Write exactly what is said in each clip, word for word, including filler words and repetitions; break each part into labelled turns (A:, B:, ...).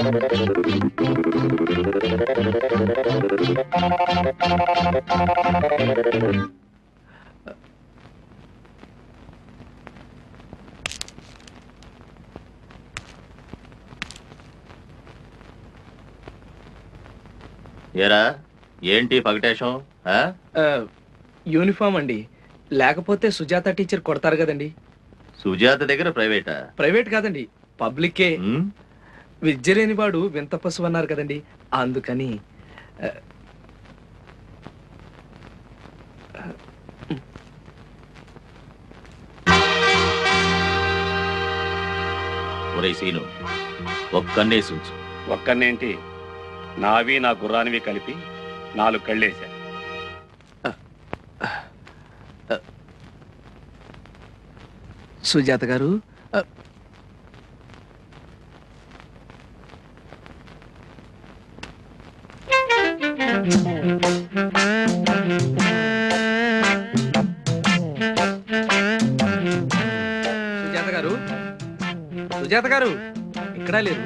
A: ఏరా ఏంటి పగటేశం?
B: యూనిఫామ్ అండి, లేకపోతే సుజాత టీచర్ కొడతారు కదండి.
A: సుజాత దగ్గర ప్రైవేటా?
B: ప్రైవేట్ కాదండి, పబ్లికే. విద్య లేని వాడు వింత పశువు అన్నారు కదండి, అందుకని.
A: ఒరే సీను, ఒక్కన్నే సూచు.
C: ఒక్కన్నేంటి, నావి నా గుర్రానివి కలిపి నాలుగు కళ్ళేశా.
B: సుజాత గారు, సుజాత గారు, సుజాత గారు ఇక్కడ లేరు.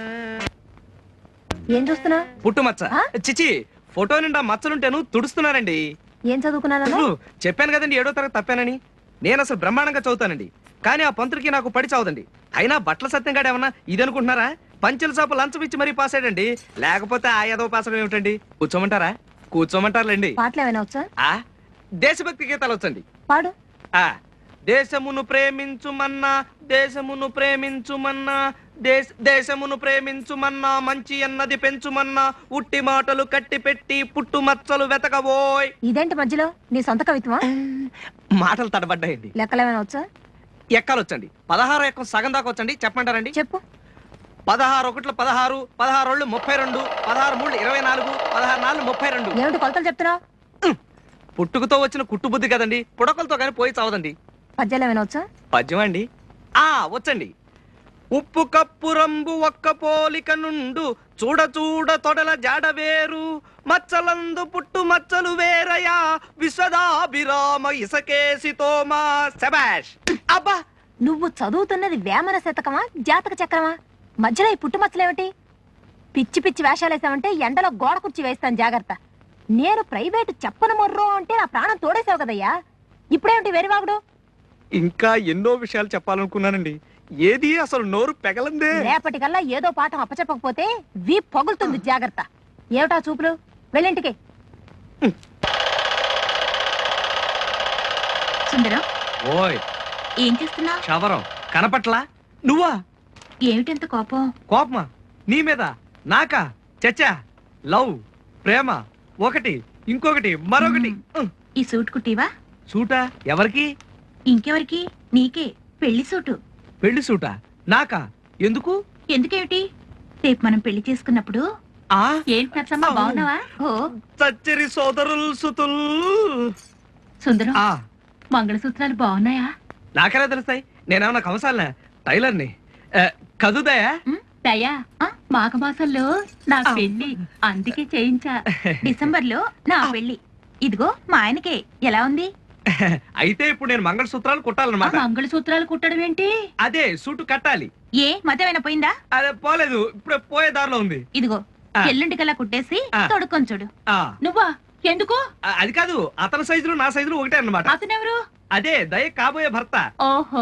D: ఏం చూస్తున్నా?
B: పుట్టుమచ్చ. చిచి, ఫోటో నిండా మచ్చలుంటేను తుడుస్తున్నారండి.
D: ఏం చదువుకున్నాను?
B: చెప్పాను కదండి ఏడో తరగతి తప్పానని. నేను అసలు బ్రహ్మాండంగా చదువుతానండి, కానీ ఆ పంతుడికి నాకు పడి చావదండి. అయినా బట్టల సత్యంగాడు ఏమన్నా ఇది అనుకుంటున్నారా? పంచెల చాపు లంచం ఇచ్చి మరీ పాస్ అయ్యాడండి, లేకపోతే ఆ ఏదో పాస్ అవ్వడం ఏమిటండి. కూర్చోమంటారా? కూర్చోమంటారులేండి.
D: పాటలు ఏమైనా వచ్చా?
B: ఆ దేశభక్తి గీతాలు వచ్చండి.
D: పాడు.
B: ఆ దేశమును ప్రేమించుమన్నా, దేశమును ప్రేమించుమన్నా, దేశ దేశమును ప్రేమించుమన్నా, మంచి అన్నది పెంచుమన్నా, ఉట్టి మాటలు కట్టి పెట్టి పుట్టు మచ్చలు వెతకబోయ్.
D: ఇదేంటి మధ్యలో నీ సొంత కవిత్వమా?
B: మాటలు తడబడ్డాయండి.
D: లెక్కలేమైనా వచ్చా?
B: ఎక్కాలు వచ్చండి. పదహారు ఎక్కం సగం దాకా వచ్చండి. చెప్పమంటారండి?
D: చెప్పు.
B: పదహారు ఒకట్లు పదహారు, పదహారు రెండు ముప్పై రెండు, పదహారు మూడు ఇరవై నాలుగు, పదహారు నాలుగు ముప్పై రెండు.
D: ఏమిటి కొలతలు చెప్తున్నావు?
B: పుట్టుకతో వచ్చిన కుట్టు బుద్ధి కదండి, పుడకలతో కానీ పోయి చావదండి.
D: పద్యాలు ఏమైనా వచ్చా?
B: పద్యం అండి, ఆ వచ్చండి. ఉప్పు కప్పు రంబు ఒక్క పోలిక నుండు, చూడ చూడ తొడల జాడ వేరు, మచ్చలందు పుట్టు మచ్చలు వేరయా, విశ్వదాభిరామ ఇసకేసి తోమా. శబాష్. అబ్బా,
D: నువ్వు చదువుతున్నది వేమన శతకమా జాతక చక్రమా? మధ్యలో ఈ పుట్టుమచ్చలేమిటి? పిచ్చి పిచ్చి వేషాలేసావంటే ఎండలో గోడ కుర్చీ వేస్తాను, జాగ్రత్త. నేను ప్రైవేటు చెప్పను మొర్రో అంటే నా ప్రాణం తోడేసావు కదయ్యా, ఇప్పుడేమిటి వెరివాగుడు?
B: ఇంకా ఎన్నో విషయాలు చెప్పాలనుకున్నానండి, ఏది అసలు నోరు పెగలందే.
D: రేపటికల్లా ఏదో పాఠం అప్పచెప్పకపోతే వీ పగులుతుంది, జాగ్రత్త. ఏమిటా చూపులు? వెళ్ళింటికి.
E: సుందరం,
B: ఓయ్
E: ఏం చేస్తున్నావు?
B: శవరం కనపట్లా? నువ్వా?
E: ఏమిటంత కోపం?
B: కోపమా? నీ మీద? నాకా? చచ్చా, లవ్ ప్రేమ ఒకటి, ఇంకొకటి మరొకటి.
E: ఈ సూట్ కుట్టివా?
B: సూటా? ఎవరికి?
E: ఇంకెవరికి? నీకే, పెళ్లి సూటు.
B: పెళ్లి సూటా? నాకా? ఎందుకు?
E: ఎందుకేమిటి, రేపు మనం పెళ్లి చేసుకున్నప్పుడు.
B: ఆ
E: ఏంటి నచ్చమ్మా, బాగున్నావా? ఓ
B: చచ్చరి సోదరులు సుతుల్.
E: సుందరం, మంగళసూత్రాలు బాగున్నాయా?
B: నాకెలా తెలుస్తాయి? నేనేమన్నా కంసాలనా? టైలర్ని. కదుదయా?
E: దయా, మాఘమాసంలో నా పెళ్లి, అందుకే చేయించా. డిసెంబర్ లో నా పెళ్లి. ఇదిగో మా ఆయనకే. ఎలా ఉంది?
B: అయితే ఇప్పుడు నేను మంగళసూత్రాలు కుట్టాలన్నమాట.
E: మంగళసూత్రాలు కుట్టడం ఏంటి?
B: అదే సూటు కట్టాలి.
E: ఏ మధ్యమైనా పోయిందా?
B: అదే పోలేదు, ఇప్పుడు పోయే దారిలో ఉంది.
E: ఇదిగో ఎల్లుంటికల్లా కుట్టేసి తొడుక్కొని చూడు. నువ్వా? ఎందుకు?
B: అది కాదు, అతని సైజులు నా సైజులు ఒకటే అన్నమాట.
E: అతనెవరు?
B: అదే దయ కాబోయే భర్త.
E: ఓహో.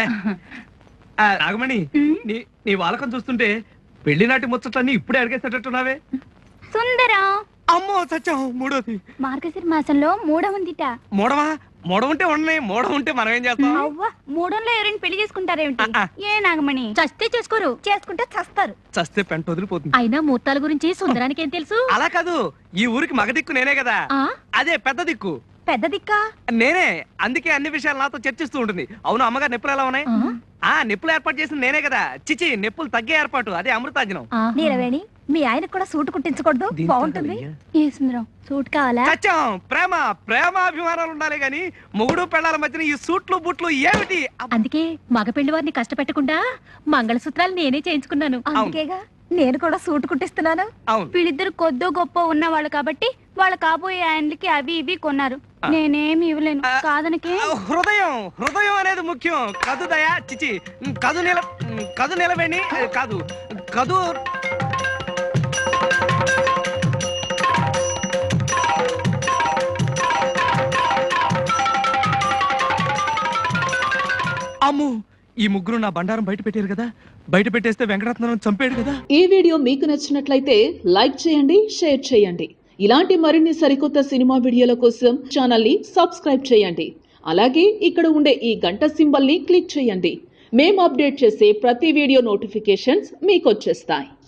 B: నాగమణి, నీ నీ వాలకం చూస్తుంటే పెళ్లి నాటి ముచ్చట్లన్నీ ఇప్పుడే అడిగేసేటట్టున్నావే.
F: సుందరం,
B: అమ్మో సత్యం, మూడోది.
F: మార్గశిర మాసంలో మూడం ఉందిట.
B: మూడవా? మూడం ఉంటే ఉన్నాయి, మూడం ఉంటే మనం ఏం చేస్తాం?
F: అవ్వ, మూడంలో ఎవరైనా పెళ్లి చేసుకుంటారేమిటి? ఏ నాగమణి,
D: చస్తే చేసుకోరు, చేసుకుంటే చస్తారు.
B: చస్తే పెంట వదిలిపోతుంది.
D: అయినా ముహూర్తాల గురించి సుందరానికి ఏం తెలుసు?
B: అలా కాదు, ఈ ఊరికి మగ దిక్కు నేనే కదా. అదే పెద్ద దిక్కు.
D: పెద్ద దిక్కా?
B: నేనే, అందుకే అన్ని విషయాలు నాతో చర్చిస్తూ ఉంటుంది. అవును, అమ్మగారు నొప్పులు ఎలా ఉన్నాయి? ఆ నిప్పులు ఏర్పాటు చేసింది నేనే కదా. చిచి, నిప్పులు తగ్గే ఏర్పాటు, అదే అమృతాజనం.
D: నీలవేణి, మీ ఆయన కూడా సూటు కుట్టించకూడదు? బాగుంటుంది.
F: ఏ సుందరం, సూట్ కావాలా?
B: సత్యం, ప్రేమ ప్రేమాభిమానాలు ఉండాలి గాని మొగుడు పెళ్ళాల మధ్యన ఈ సూట్లు బుట్లు ఏమిటి?
D: అందుకే మగ పెళ్లి వారిని కష్టపెట్టకుండా మంగళసూత్రాలు నేనే చేయించుకున్నాను. అందుకేగా నేను కూడా సూట్ కుట్టిస్తున్నాను.
F: వీళ్ళిద్దరు కొద్దో గొప్ప ఉన్నవాళ్ళు కాబట్టి వాళ్ళ కాబోయే ఆయనకి అవి ఇవి కొన్నారు. నేనేమి ఇవ్వలేను కాదనకే.
B: హృదయం హృదయం అనేది ముఖ్యం. కదు దయా, చిచి, కదు నిల కదు నిలవేణి కాదు, కదు అమ్ము ఈ ముగ్గురు నా బండారం బయట పెట్టారు కదా, బయట పెట్టేస్తే వెంకటరత్నం చంపాడు కదా.
G: ఈ వీడియో మీకు నచ్చినట్లయితే లైక్ చేయండి, షేర్ చేయండి. ఇలాంటి మరిన్ని సరికొత్త సినిమా వీడియోల కోసం ఛానల్ ని సబ్స్క్రైబ్ చేయండి. అలాగే ఇక్కడ ఉండే ఈ గంట సింబల్ ని క్లిక్ చేయండి. మేము అప్డేట్ చేసే ప్రతి వీడియో నోటిఫికేషన్స్ మీకు వచ్చేస్తాయి.